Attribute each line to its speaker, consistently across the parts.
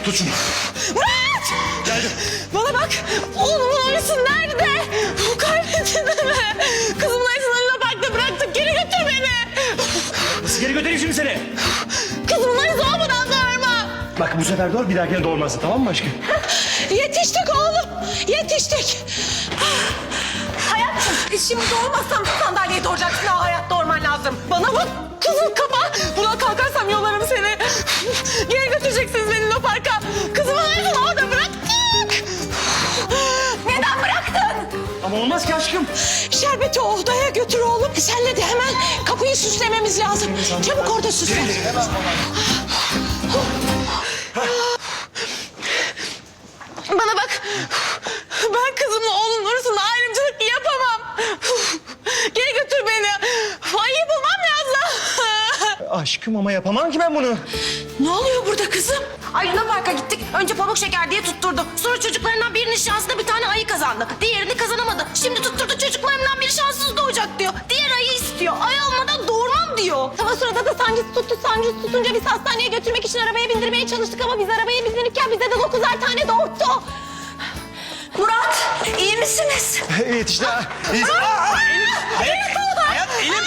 Speaker 1: Tut şunu.
Speaker 2: Murat!
Speaker 1: Geldim.
Speaker 2: Bana bak. Oğlumun arısı nerede? Kaybettin mi? Kızımın arısını Luna Park'ta bıraktık. Geri götür beni.
Speaker 1: Nasıl geri götüreyim şimdi seni?
Speaker 2: Kızımın arısı olmadan doğurma.
Speaker 1: Bak bu sefer doğur, bir dahakine doğurmazsın, tamam mı aşkım?
Speaker 2: Yetiştik oğlum. Yetiştik. Hayatım şimdi doğurmazsam sandalyeye doğuracaksın. Daha hayatta doğurman lazım. Bana bak kızıl kafa. Buna kalkarsam yolarım seni. Geri götüreceksiniz beni Luna Park'a. Kızımın arısını orada bıraktık. Neden bıraktın?
Speaker 1: Ama olmaz ki aşkım.
Speaker 2: Şerbeti o odaya götür oğlum. Senle de hemen kapıyı süslememiz lazım. Çabuk orada süsle. Bana bak. Ben kızımla oğlunun arasında ayrımcılık yapamam. Geri götür beni. Ayı bulmam lazım.
Speaker 1: Aşkım ama yapamam ki ben bunu.
Speaker 2: Ne oluyor burada kızım?
Speaker 3: Ay Luna Park'a gittik. Önce pamuk şeker diye tutturdu. Sonra çocuklarından birinin şansına bir tane ayı kazandı. Diğerini kazanamadı. Şimdi tutturdu çocuklarından biri şanssız doğacak diyor. Diğer ayı istiyor. Ay olmadan doğurmam diyor.
Speaker 2: Tam o sırada da sancısı tuttu. Sancısı tutunca biz hastaneye götürmek için arabaya bindirmeye çalıştık ama biz arabaya bindirirken bize de 9'ar tane doğurttu.
Speaker 3: Murat iyi misiniz?
Speaker 1: Evet işte. Elim. Hayat elim.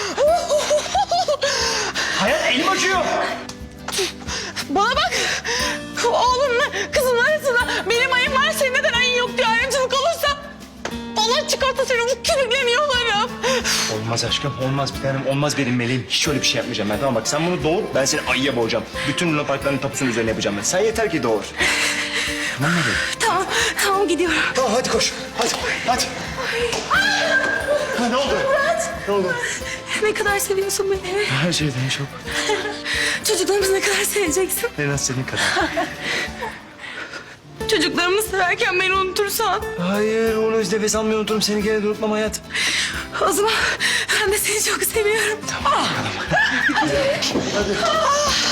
Speaker 1: Hayat elim acıyor.
Speaker 2: Bana bak. Oğlumla kızımın arasında benim ayım var. Senin neden ayın yok diye ayrımcılık olursa Allah çıkarsa seni bu kürükleniyorlarım.
Speaker 1: Olmaz aşkım, olmaz bir tanem, olmaz benim meleğim. Hiç öyle bir şey yapmayacağım ben, tamam bak sen bunu doğur, ben seni ayıya boğacağım. Bütün Luna Parkların tapusunun üzerine yapacağım ben. Sen yeter ki doğur. Tamam mı benim?
Speaker 3: Tamam gidiyorum.
Speaker 1: Tamam hadi koş, hadi. Ha, ne oldu?
Speaker 3: Murat.
Speaker 1: Ne oldu?
Speaker 3: Ne kadar seviyorsun beni.
Speaker 1: Her şeyden çok.
Speaker 3: Çocuklarımızı ne kadar seveceksin.
Speaker 1: En az senin kadar.
Speaker 3: Çocuklarımı severken beni unutursan.
Speaker 1: Hayır, onu hiç nefes almayı unuturum. Seni gene de unutmam hayat.
Speaker 3: O zaman ben de seni çok seviyorum.
Speaker 1: Tamam, bakalım. Hadi.